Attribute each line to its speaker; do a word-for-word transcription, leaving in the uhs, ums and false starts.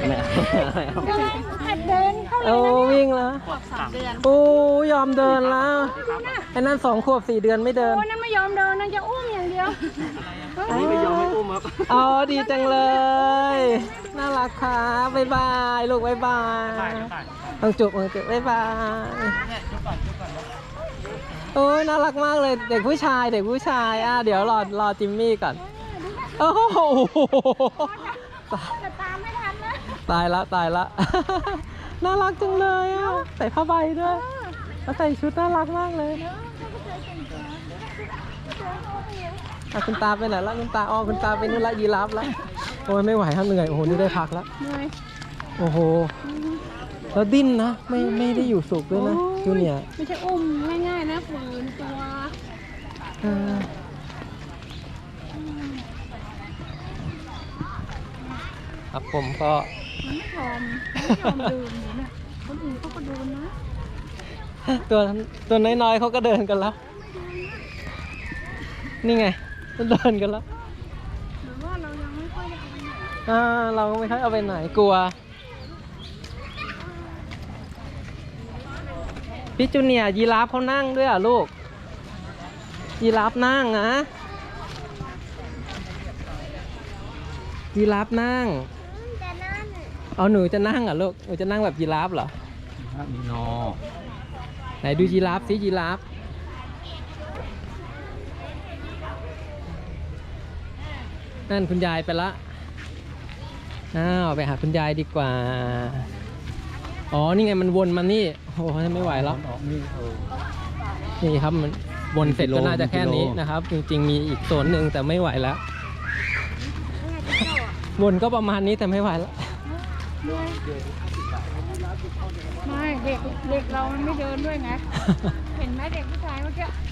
Speaker 1: ไม่เอา
Speaker 2: หัดเดินเข้าเล
Speaker 3: โอ้
Speaker 2: ยนะ
Speaker 3: วิ่งแล้ว
Speaker 2: ขวบสามเดือน
Speaker 3: โอ้ยอมเดินแล้วไอ้นั่นสองขวบสี่เดือนไม่เดิน
Speaker 2: โอ้นั่นไม่ยอมเดินนั่นจะอุ้มอย่างเดียว
Speaker 1: อันนี้ไม่ยอมให้อุ้มครับ
Speaker 3: อ๋อดีจังเลย น่ารักครับบ๊ายบายลูกบ๊ายบายต้องจุบต้องจุบบ๊ายบายโอ้ยน่ารักมากเลยเด็กผู้ชายเด็กผู้ชายอ่ะเดี๋ยวรอรอจิมมี่ก่อนโอ้โห
Speaker 2: จะตามไม่ทันนะ
Speaker 3: ตายละตายละ น่ารักจังเลยอ่ะใส่ผ้าใบด้วยแล้วใส่ชุดน่ารักมากเลยอ่ะคุณตาไปไหนละคุณตาอ๋อคุณตาไปนู่นละยีราฟละโอ้ยไม่ไหวครับเหนื่อยโอ้โหนี่ได้พักแล้ว
Speaker 2: เหนื่อย
Speaker 3: โอ้โหแล้วดิ้นนะไม่ไม่ได้อยู่สุขด้วยนะจูเนียร์
Speaker 2: ไม่ใช่อุ้มง่ายๆนะฝืนตัว
Speaker 3: อ่าครับผมก็
Speaker 2: มันไม่ยอมไม่ยอมเดินอยู่เนี่ยคนอื่นเขาก็เดินนะ
Speaker 3: ตัวตัวน้อยๆเขาก็เดินกันแล้ว นี่ไงเดินกันแล้ว
Speaker 2: หรือว่าเรายังไม่ค่อยได้เอาไปไหน
Speaker 3: อ่าเราก็ไม่ค่อยเอาไปไหนกลัวพี่จูเนียร์ยีราฟเขานั่งด้วยอ่ะลูกยีราฟนั่งนะยีราฟนั่ง
Speaker 2: แต่นั่น
Speaker 3: เอาหนูจะนั่งเหรอลูกหนูจะนั่งแบบยีราฟเหรอ
Speaker 1: มีนอ
Speaker 3: ไหนดูยีราฟสิยีราฟนั่นคุณยายไปละอ้าวไปหาคุณยายดีกว่าอ๋อนี่ไงมันวนมานี่โอ้โหไม่ไหวแล้ว
Speaker 1: ออกนี่เออ
Speaker 3: นี่ครับมันวนเสร็จก็น่าจะแค่นี้
Speaker 1: กิโล
Speaker 3: นะครับ จริงๆมีอีกโซนหนึ่งแต่ไม่ไหวแล้ววนก็ประมาณนี้แต่ไม่ไหวแล้ว
Speaker 2: ไม่เด็กเด็กเรามันไม่เดินด้วยไง เห็นไหมเด็กผู้ชายเมื่อกี้